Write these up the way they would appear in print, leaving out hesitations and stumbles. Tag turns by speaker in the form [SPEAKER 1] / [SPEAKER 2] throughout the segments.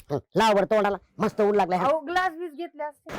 [SPEAKER 1] लाव बरं तोंडाला मस्त ऊन लागलाय.
[SPEAKER 2] अहो ग्लास बीस घेतले असते.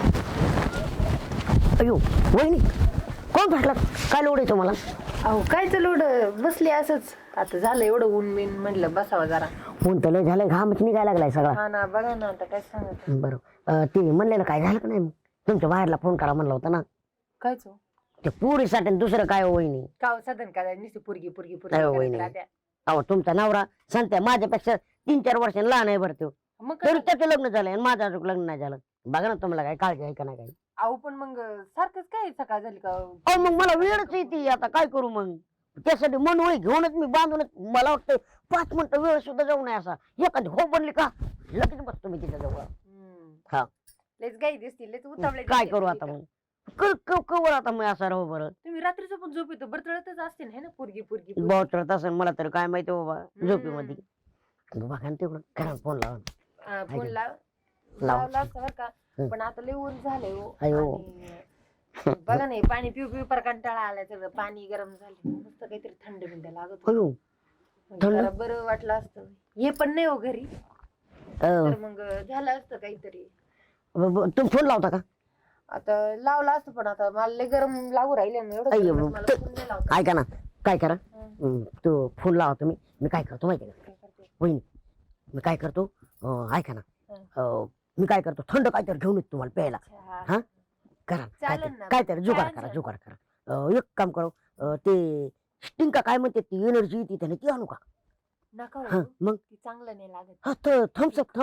[SPEAKER 1] अयो वहिनी कोण भेटला काय लोड आहे तुम्हाला?
[SPEAKER 2] अहो कायच लोड बसली असंच. आता झालं एवढं ऊन बिन म्हणलं बसावं जरा.
[SPEAKER 1] ऊन तर लय झालंय घामच निघायला लागलाय सगळा.
[SPEAKER 2] हा ना बघा ना आता काय सांगत.
[SPEAKER 1] बरं ते म्हणलेलं काय झालं का नाही? तुमच्या बाहेरला फोन करा म्हणलं होतं ना.
[SPEAKER 2] कायच
[SPEAKER 1] ते पुरीसाठी दुसरं काय हो वहिनी?
[SPEAKER 2] का साधन काय नुसती पुरगी पुरगी
[SPEAKER 1] नाही हो वहिनी. अहो तुमचा नवरा सांगते माझ्यापेक्षा 3-4 वर्षांनी लहान आहे बरं तो.
[SPEAKER 2] मग
[SPEAKER 1] तरी त्याचं लग्न झालंय आणि माझं अजून लग्न नाही झालं. बघा ना तुम्हाला काय काळजी आहे का नाही? काय
[SPEAKER 2] अहो पण मग सारखंच काय सकाळ झाली का?
[SPEAKER 1] अहो मग मला वेळच येते आता काय करू मग? त्यासाठी मनोळी घेऊनच मी बांधूनच मला वाटतं 5 मिनिटं वेळ सुद्धा जाऊ नये असा. एखादी हो बनली का लगेच बसतो मी तिच्या जवळ. हा
[SPEAKER 2] लेच गाई दिसतील लेच उतावळे.
[SPEAKER 1] काय करू आता मग? कवर आता मी असा राहू बरं.
[SPEAKER 2] तुम्ही रात्रीचं पण झोप येतो बरतळतच असते ना पुरगी पुरगी.
[SPEAKER 1] बोटरत असेल मला तर काय माहिती बाबा झोपीमध्ये. बघा ना तेवढं करा फोन लावा.
[SPEAKER 2] फोन लावला असता बरं का. पण आता लय ऊन झालंय हो.
[SPEAKER 1] अयो.
[SPEAKER 2] आणि बघा नाही पाणी पिऊ पिऊ पर कंटाळा आलाय सगळं. पाणी गरम झालं मस्त काहीतरी थंड बिंड लागत
[SPEAKER 1] अयो
[SPEAKER 2] जरा बरं वाटलं असतं. हे पण नाही हो घरी तर मग झालं असतं काहीतरी.
[SPEAKER 1] तुम्ही फोन लावता का?
[SPEAKER 2] आता लावला असतं पण आता मला लय गरम लागू राहिले
[SPEAKER 1] अय्यो. ऐका ना काय करा तो फोन लावा तुम्ही. मी काय करतो माहिती का वहिनी? मी काय करतो ऐका ना मी काय करतो थंड काहीतरी घेऊन येतो तुम्हाला प्यायला. हा करा काहीतरी जुगाड करा. एक काम करू ते स्टिंग का काय म्हणते ती एनर्जी येते त्याने ती आणू का?
[SPEAKER 2] नका
[SPEAKER 1] मग
[SPEAKER 2] चांगलं नाही लागत.
[SPEAKER 1] हा तर थम्सअप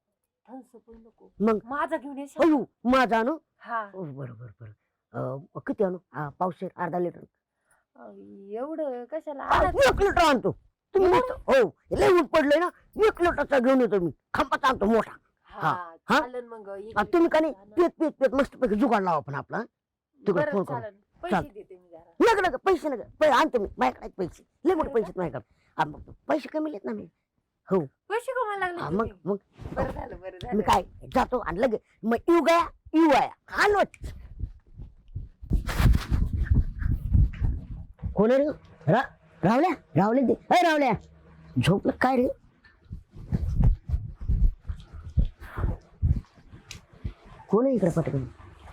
[SPEAKER 2] नको
[SPEAKER 1] मग
[SPEAKER 2] माझा घेऊन येशील?
[SPEAKER 1] अयो माझा आणू.
[SPEAKER 2] हा
[SPEAKER 1] बरोबर किती आणू? पावशेर अर्धा लिटर?
[SPEAKER 2] एवढं कशाला?
[SPEAKER 1] 1 लिटर आणतो. तुम्ही हो लय ऊन पडलंय ना 1 लिटरचा घेऊन येतो मी. खांबाचा आणतो मोठा.
[SPEAKER 2] चालेल मग
[SPEAKER 1] तुम्ही का नाही पेत मस्त पैकी जुगाड लावा पण आपला. तिकडे फोन करू.
[SPEAKER 2] पैसे देते मी जरा.
[SPEAKER 1] नका पैसे नका आणतो मी माझ्याकडे पैसे लय मोठे पैसे माझ्याकडे. पैसे कमी लेत ना मी. हो
[SPEAKER 2] पैसे कमायला लागले.
[SPEAKER 1] मग
[SPEAKER 2] बरं झालं
[SPEAKER 1] मी काय जातो आणि लगेच मग येऊ गया आलो. कोण रे? रावल्या ते रावल्या झोपलं काय रे? कोण इकडे पटकन?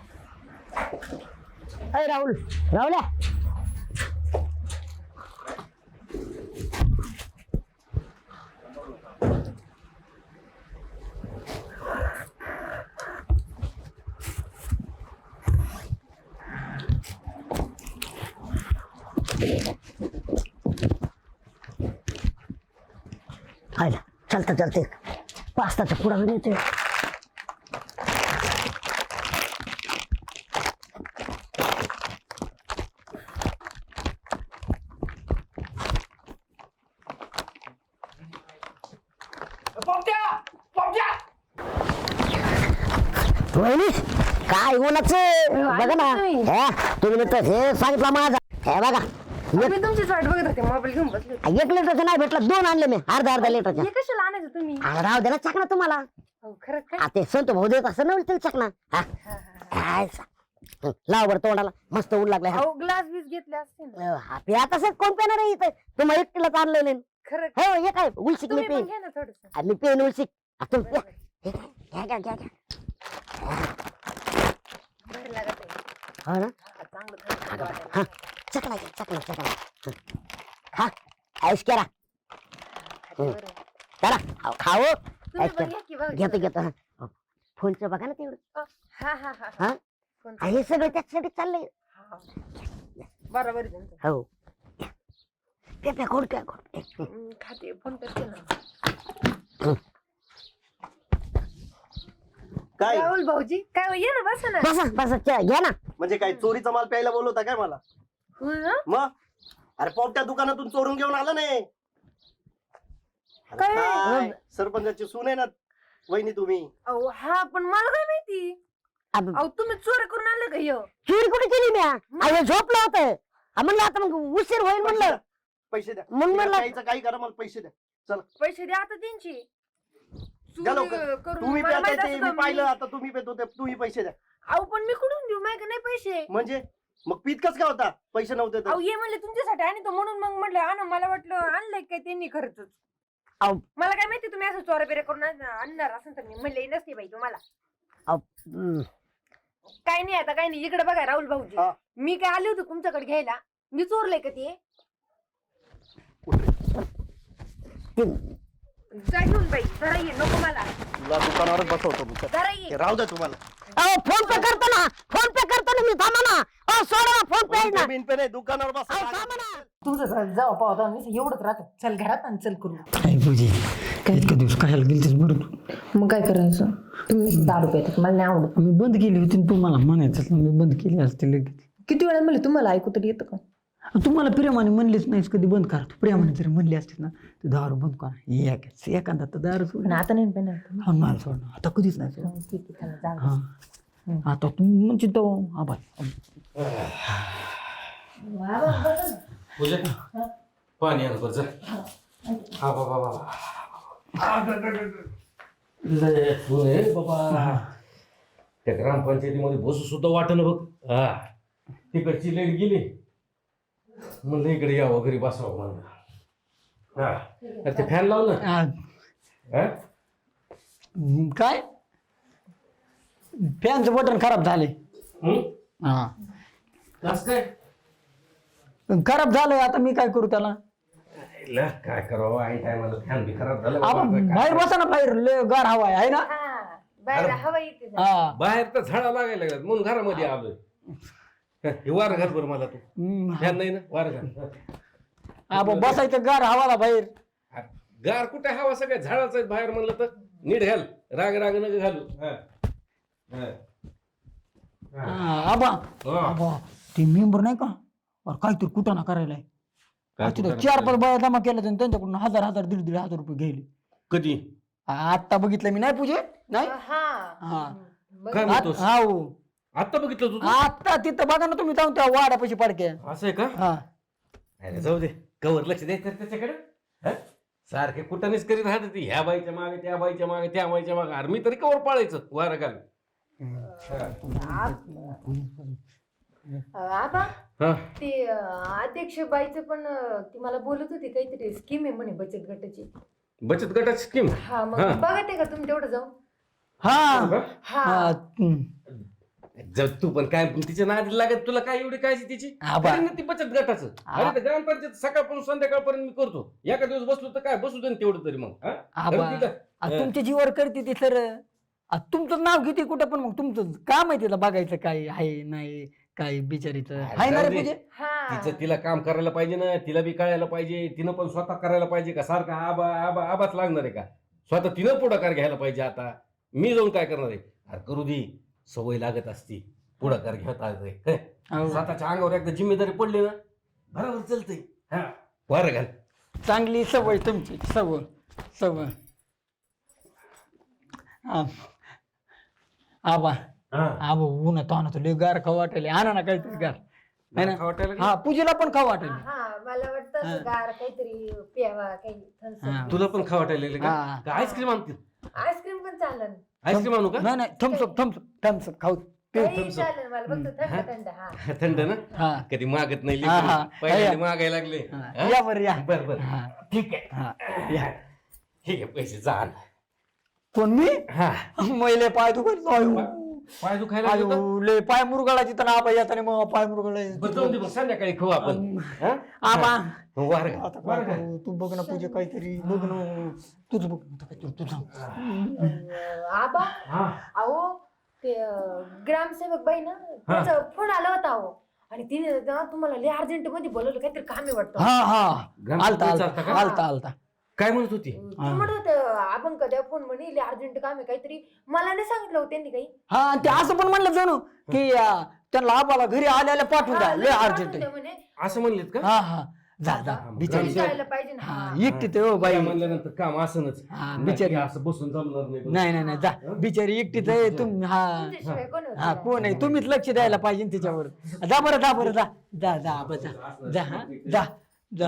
[SPEAKER 1] रावल्या आयला चालते 5 ताचा पुढा घेऊन येते. वहिनी काय उन्हाचं बघा ना. तुम्ही तर हे सांगितलं माझा हे बघा.
[SPEAKER 2] मी तुमचीच वाट बघत होते मोबाईल घेऊन बसले.
[SPEAKER 1] 1 लिटरचं नाही भेटलं 2 आणले मी अर्धा लिटरच्या.
[SPEAKER 2] हे कशाला आणायचं तुम्ही?
[SPEAKER 1] राव दे ना चकना तुम्हाला.
[SPEAKER 2] खरं काय?
[SPEAKER 1] ते संतो भाऊ देत असं नव्हतं चकना. काय लाव बरं तोंडाला मस्त ऊन लागलाय.
[SPEAKER 2] अहो ग्लास बीस घेतले असते ना.
[SPEAKER 1] आता सर कोण पेणार आहे इथं? तुम्हाला एकटीलाच आणलं नाही.
[SPEAKER 2] खरं
[SPEAKER 1] हो हे काय उलसिक मी
[SPEAKER 2] तुम्ही पण
[SPEAKER 1] पेन
[SPEAKER 2] घ्या ना थोडंसं.
[SPEAKER 1] मी पेन उलसिक. तुम्ही घ्या
[SPEAKER 2] बरं लागत आहे.
[SPEAKER 1] हो ना
[SPEAKER 2] चांगलं थंड वाटायला.
[SPEAKER 1] हा चकला हा ऐश करा
[SPEAKER 2] बरं.
[SPEAKER 1] चला खाओ.
[SPEAKER 2] तुम्ही पण घ्या की बघा.
[SPEAKER 1] घेतो फोनचं बघा ना तेवढं.
[SPEAKER 2] हा फोन.
[SPEAKER 1] हे सगळं त्याच्यासाठी चाललंय.
[SPEAKER 2] बरोबर आहे तुमचं.
[SPEAKER 1] हो ते कोण काय
[SPEAKER 2] खाते फोन करते ना.
[SPEAKER 3] काय
[SPEAKER 2] राहुल भाऊजी काय ये ना बसा ना.
[SPEAKER 1] बसा घ्या ना.
[SPEAKER 3] म्हणजे काय चोरीचा माल प्यायला बोलवता काय मला? मग अरे पोपट्या दुकानातून चोरून घेऊन आला नाही काय? सरपंचाची सून आहे ना वहिनी तुम्ही.
[SPEAKER 2] अहो हा पण मला काय माहिती. अहो तुम्ही चोरी करून आणले का? ह्यो
[SPEAKER 1] चोरी कुठे केली मी? झोपलं होतं म्हणलं आता मग उशीर होईल म्हणलं.
[SPEAKER 3] पैसे द्या.
[SPEAKER 1] मग म्हणलं
[SPEAKER 3] प्यायचं काही करा मला पैसे द्या. चला
[SPEAKER 2] पैसे द्या आता त्यांची.
[SPEAKER 3] द्या लवकर. तुम्ही पेताय ते मी पाहिलं आता तुम्ही पेतो ते तुम्ही पैसे द्या.
[SPEAKER 2] अहो पण मी कुठून देऊ? माझ्या नाही पैसे.
[SPEAKER 3] म्हणजे मग पीत कस काय होता पैसे नव्हते तर?
[SPEAKER 2] अहो ये म्हणले तुमच्यासाठी आणि तो म्हणून मग म्हटलं आणा. मला वाटलं आणलंय काय त्यांनी खर्च.
[SPEAKER 1] अहो,
[SPEAKER 2] मला काय माहिती तुम्ही असं चोऱ्या बिऱ्या करून आणणार असं तर मी म्हणले नसते बाई तुम्हाला.
[SPEAKER 1] अहो,
[SPEAKER 2] काय नाही आता काय नाही. इकडे बघा राहुल भाऊजी,
[SPEAKER 3] हा.
[SPEAKER 2] मी काय आले होते तुमच्याकडे घ्यायला. मी चोरले का ते? जा घेऊन बाई, जरा ये. नको मला,
[SPEAKER 3] तुला दुकानावरच बसवतो मी.
[SPEAKER 2] जरा ये.
[SPEAKER 3] ते राहू दे तुम्हाला.
[SPEAKER 1] अहो, फोन पे करतो ना, फोन पे करतो ना मी. थांबा ना. अहो, सोडा ना, फोन पे आहे ना.
[SPEAKER 3] बिन पे नाही, दुकानावर
[SPEAKER 1] अहो,
[SPEAKER 3] बसा.
[SPEAKER 1] थांबा ना.
[SPEAKER 2] तुझं जाऊ पाहता मी एवढंच राहतो. चल घरात आणि चल करू.
[SPEAKER 4] काय पूजे इतका दिवस कशाला गेलतीस बरं तू?
[SPEAKER 2] मग काय करायचं? तुम्ही दारू पितात, मला नाही आवडत.
[SPEAKER 4] मी बंद केली होती आणि तू मला म्हणायचं मी बंद केली असते लगेच.
[SPEAKER 2] किती वेळा म्हणले तुम्हाला ऐकू तरी येतं का?
[SPEAKER 4] तू मला प्रेमाने म्हणलीच नाहीस कधी बंद करा. तू प्रेमाने जरी म्हणली असतीस ना तू दारू बंद करा. एखादा तर दारू सोड.
[SPEAKER 2] आणि आता नाही पेणार.
[SPEAKER 4] हा नाही सोडणार आता कधीच नाही सोड.
[SPEAKER 2] ठीक आहे, चला, जाऊ.
[SPEAKER 4] हा आता तू म्हणजे तो आबा
[SPEAKER 5] पूजा पाणी आण बरं. हा बाबा बाबा लय फुल आहे बाबा. त्या ग्रामपंचायतीमध्ये बसू सुद्धा वाटणं बघ. हा तिकडची लाईट गेली म्हणलं इकडे यावं घरी बसावं म्हणलं. हा अरे ते फॅन लाव ना. हा?
[SPEAKER 4] काय फॅनचं बटन खराब झाले.
[SPEAKER 5] हं?
[SPEAKER 4] हा
[SPEAKER 5] कसं काय
[SPEAKER 4] खराब झालंय आता मी काय करू त्याला?
[SPEAKER 5] ला, काय करावं आई काय मला फॅन बी खराब झाला
[SPEAKER 4] आबा
[SPEAKER 5] बाबा, काय
[SPEAKER 4] बाहेर बसा ना, बाहेर लय गार हवा आहे ना.
[SPEAKER 2] हा, बाहेर हवा येते जरा.
[SPEAKER 4] हा
[SPEAKER 5] बाहेर तर झाडा लागायला लागल्यात म्हणून घरामध्ये आलोय. हे वार घाल बरं मला तू. फॅन नाही ना, वार घाल.
[SPEAKER 4] आबा बसायचं गार हवाला बाहेर.
[SPEAKER 5] गार कुठे हवा सगळ्या झाडाचं आहे बाहेर म्हणलं तर नीट घाल. राग राग नका घालू. हा. हा.
[SPEAKER 4] आबा
[SPEAKER 5] हा.
[SPEAKER 4] आबा ते मेंबर नाही का अरे काहीतरी कुठं ना करायला
[SPEAKER 5] काय
[SPEAKER 4] तिथं
[SPEAKER 5] कुठं
[SPEAKER 4] 4-5 बाया जमा केल्या त्यांच्याकडून 1000 1,500 रुपये घ्यायले.
[SPEAKER 5] कधी
[SPEAKER 4] आता बघितलं मी नाही पूजे नाही.
[SPEAKER 2] हा.
[SPEAKER 4] हा.
[SPEAKER 2] बघ,
[SPEAKER 5] काय म्हणतोस?
[SPEAKER 4] हा हो.
[SPEAKER 5] आता बघितलं तू
[SPEAKER 4] आता तिथं बघा ना तुम्ही जाऊन त्या वाड्यापाशी पडके.
[SPEAKER 5] असं आहे का?
[SPEAKER 4] हा
[SPEAKER 5] अरे जाऊ दे कवर लक्ष द्यायचं त्याच्याकडे. हा? सारखे कुठानेच करीत राहत ती ह्या बाईच्या मागे त्या बाईच्या मागे त्या बाईच्या मागे. अरे मी तरी कवर पाळायचं वार घाल.
[SPEAKER 2] आबा
[SPEAKER 5] हा
[SPEAKER 2] ते अध्यक्ष बाईचं पण ती मला बोलत होती काहीतरी स्कीम आहे म्हणे बचत गटाची.
[SPEAKER 5] बचत गटाची स्कीम.
[SPEAKER 2] हा मग
[SPEAKER 5] हा.
[SPEAKER 2] बघा ते का तुम्ही तेवढं जाऊन.
[SPEAKER 4] हा
[SPEAKER 2] हा
[SPEAKER 4] हा.
[SPEAKER 5] जर तू पण काय तिच्या नादी लागत तुला काय एवढी काय तिची
[SPEAKER 4] आबा.
[SPEAKER 5] करीन ना ती बचत गटाचं. अरे ते ग्रामपंचायत सकाळपासून संध्याकाळपर्यंत मी करतो. एका दिवस बसलो तर काय बसू दे ना तेवढं तरी मग. हा?
[SPEAKER 4] आबा
[SPEAKER 5] करू तिला.
[SPEAKER 4] तुमच्या जीवर करते ती सर. तुमचं नाव घेते कुठं पण मग तुमचं काम आहे तिला बघायचं काय आहे नाही काय बिचारीचं आहे ना रे
[SPEAKER 5] जाऊ दे.
[SPEAKER 4] पूजे.
[SPEAKER 2] हा
[SPEAKER 5] तिचं तिला काम करायला पाहिजे ना. तिला बी कळायला पाहिजे. तिनं पण स्वतः करायला पाहिजे का सारखा आबा आबा आबाच लागणार आहे का? स्वतः तिनं पुढाकार घ्यायला पाहिजे. आता मी जाऊन काय करणार आहे? अरे करू दे सवय लागत असती पुढाकार घेता येते.
[SPEAKER 4] हो.
[SPEAKER 5] स्वतःच्या अंगावर एकदा जिम्मेदारी पडली ना बरोबर चलते. हा वार घाल.
[SPEAKER 4] चांगली सवय तुमची सवय सवय. आबा
[SPEAKER 5] हा.
[SPEAKER 4] आबा ऊन तो आणतो लय गार खाऊ वाटेल. आणा ना काहीतरी गार है ना.
[SPEAKER 5] खाऊ वाटायला लागलं?
[SPEAKER 4] हा पूजेला पण खाऊ वाटेल.
[SPEAKER 2] हा मला वाटतं असं गार काहीतरी प्यावा काही
[SPEAKER 4] हा.
[SPEAKER 5] तुला पण खाऊ वाटायला लागलं
[SPEAKER 4] हा.
[SPEAKER 5] का? आईस्क्रीम आणते.
[SPEAKER 2] आईस्क्रीम पण चालेल.
[SPEAKER 5] आईस्क्रीम आणू का?
[SPEAKER 4] नाही नाही थम्सअप थम्सअप थम्सअप खाऊ.
[SPEAKER 2] काही चालेल मला फक्त थंड थंड. हा
[SPEAKER 5] थंड ना.
[SPEAKER 4] हा
[SPEAKER 5] कधी मागत नाही
[SPEAKER 4] हा, हा.
[SPEAKER 5] लेकरं. पहिल्यांदा मागायला लागले.
[SPEAKER 4] हा. या बरं या.
[SPEAKER 5] बर बर
[SPEAKER 4] हा
[SPEAKER 5] ठीक आहे.
[SPEAKER 4] हा या.
[SPEAKER 5] ठीक आहे पैसे जा आण.
[SPEAKER 4] कोण मी
[SPEAKER 5] हा
[SPEAKER 4] मैले पाय दुखायला
[SPEAKER 5] पाय दुखायला लागले का?
[SPEAKER 4] लय पाय मुरगाळाची तर आबा येताना मग पाय मुरगाळे.
[SPEAKER 5] बरं जाऊन दे मग संध्याकाळी खाऊ आपण. हा?
[SPEAKER 4] आबा
[SPEAKER 5] वार घाल.
[SPEAKER 4] आता काय करू? तू बघ ना पूजा काहीतरी बघ ना. तुझं बघ आता काहीतरी तू सांग.
[SPEAKER 2] आबा
[SPEAKER 5] हा.
[SPEAKER 2] अहो ते ग्रामसेवक बाई ना त्याचा फोन आला होता अहो. आणि तिने ना तुम्हाला लय अर्जंट मध्ये बोलवलं काहीतरी काम आहे वाटतं.
[SPEAKER 4] हा हा
[SPEAKER 5] ग्रामपंचायत
[SPEAKER 4] आलता
[SPEAKER 5] चालता का?
[SPEAKER 4] आलता आलता.
[SPEAKER 5] काय म्हणत होती?
[SPEAKER 2] ते म्हणत होतं आपण कधी फोन म्हणे लय अर्जंट काम आहे काहीतरी. मला नाही सांगितलं हो त्यांनी काही.
[SPEAKER 4] हा ते असं पण म्हणलं जणू की त्यांना आबाला घरी आल्याला पाठवून द्या लय अर्जंट आहे.
[SPEAKER 2] म्हणे
[SPEAKER 5] असं म्हणलेत का?
[SPEAKER 4] हा हा जा जा बिचारी.
[SPEAKER 2] जायला पाहिजे ना.
[SPEAKER 4] हा एकटी ते हो बाई.
[SPEAKER 5] काय म्हणल्यानंतर काम असनच.
[SPEAKER 4] हा
[SPEAKER 5] नाही,
[SPEAKER 4] बिचारी.
[SPEAKER 5] असं बसून जमणार नाही.
[SPEAKER 4] नाही नाही नाही जा बिचारी एकटीच आहे तुम्ही. हा
[SPEAKER 2] तुमच्याशिवाय कोण होतं?
[SPEAKER 4] हा कोण आहे तुम्हीच लक्ष द्यायला पाहिजे तिच्यावर. जा बरं जा बरं जा जा जा आबा जा जा हा जा जा.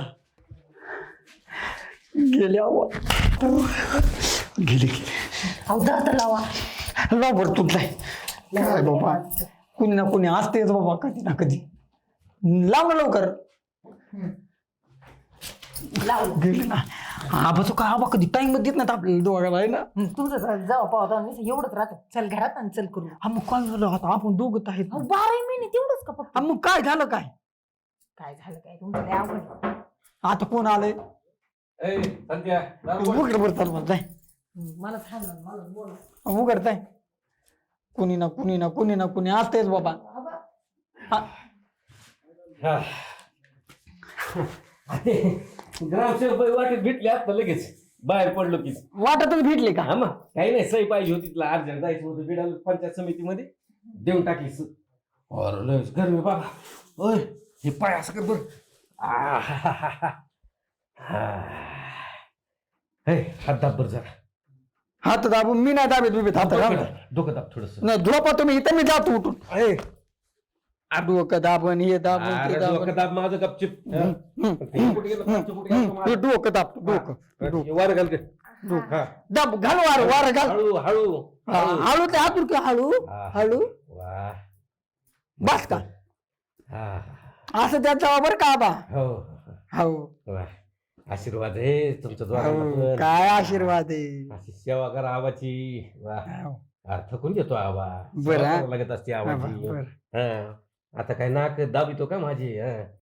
[SPEAKER 4] गेले आवा गेले गेले.
[SPEAKER 2] अहो दादा लावा.
[SPEAKER 4] लाव बरं तुझलाय काय बाबा कुणी ना कुणी असतेच बाबा कधी ना कधी. लाव ना लवकर.
[SPEAKER 2] लावलं.
[SPEAKER 4] गेले ना आबा तो का आबा कधी टाइम देत नाही आपल्याला दोघाला आहे ना.
[SPEAKER 2] तुझं जावा पाहता एवढंच राहतं. चल घरात आणि चल करू.
[SPEAKER 4] हा मग काय झालं आता आपण दोघं आहेत.
[SPEAKER 2] 12 महिने तेवढंच का फक्त?
[SPEAKER 4] हा मग काय झालं काय
[SPEAKER 2] काय झालं काय तुमचं लय अवघड.
[SPEAKER 4] आता कोण आलंय
[SPEAKER 5] ए, संध्या, दार उघड.
[SPEAKER 4] उघड बरं चाल मला जाय
[SPEAKER 2] मला सांग ना, मला बोल.
[SPEAKER 4] उघडताय कुणी ना कुणी ना कुणी ना कुणी असतेच बाबा.
[SPEAKER 2] आबा,
[SPEAKER 5] हा. ग्रामसेवक बाई वाटेत भेटले आता लगेच बाहेर पडलो की.
[SPEAKER 4] वाटतच भेटले का.
[SPEAKER 5] हा मग काही नाही, सही पाहिजे होती तिला, अर्जंट जायचं होतं बिडाल पंचायत समितीमध्ये, देऊन टाकली अरे लयच गरमी बाबा. ओय हे पाय असं कर बर. हात दाब बर जरा.
[SPEAKER 4] हात दाबून मी नाही दाबेत बिबेत हात
[SPEAKER 5] डोकं दाब थोडस.
[SPEAKER 4] नाही झोपा तुम्ही इथं मी जातो उठून. डोकं दाबन हे दाबन ते दाबन.
[SPEAKER 5] डोकं दाब माझं गपचिप.
[SPEAKER 4] हे डोकं दाब डोकं
[SPEAKER 5] वार घाल के. हा.
[SPEAKER 4] दाब घाल वार घाल.
[SPEAKER 5] हळू हळू
[SPEAKER 4] हळू ते हातून की हळू हळू
[SPEAKER 5] वा.
[SPEAKER 4] बस का
[SPEAKER 5] हा.
[SPEAKER 4] असं त्याचा बरं का आबा.
[SPEAKER 5] हो
[SPEAKER 4] हो
[SPEAKER 5] वा. आशीर्वाद आहे तुमच्या द्वारा.
[SPEAKER 4] हो, काय आशीर्वाद आहे.
[SPEAKER 5] अशी सेवा करा आबाची. वा.
[SPEAKER 4] हो.
[SPEAKER 5] थकून घेतो आबा.
[SPEAKER 4] बरं,
[SPEAKER 5] सेवा
[SPEAKER 4] हा.
[SPEAKER 5] करावं लागत असते आबाची.
[SPEAKER 4] बरं.
[SPEAKER 5] हा. आता काय नाक दाबितो का माझी.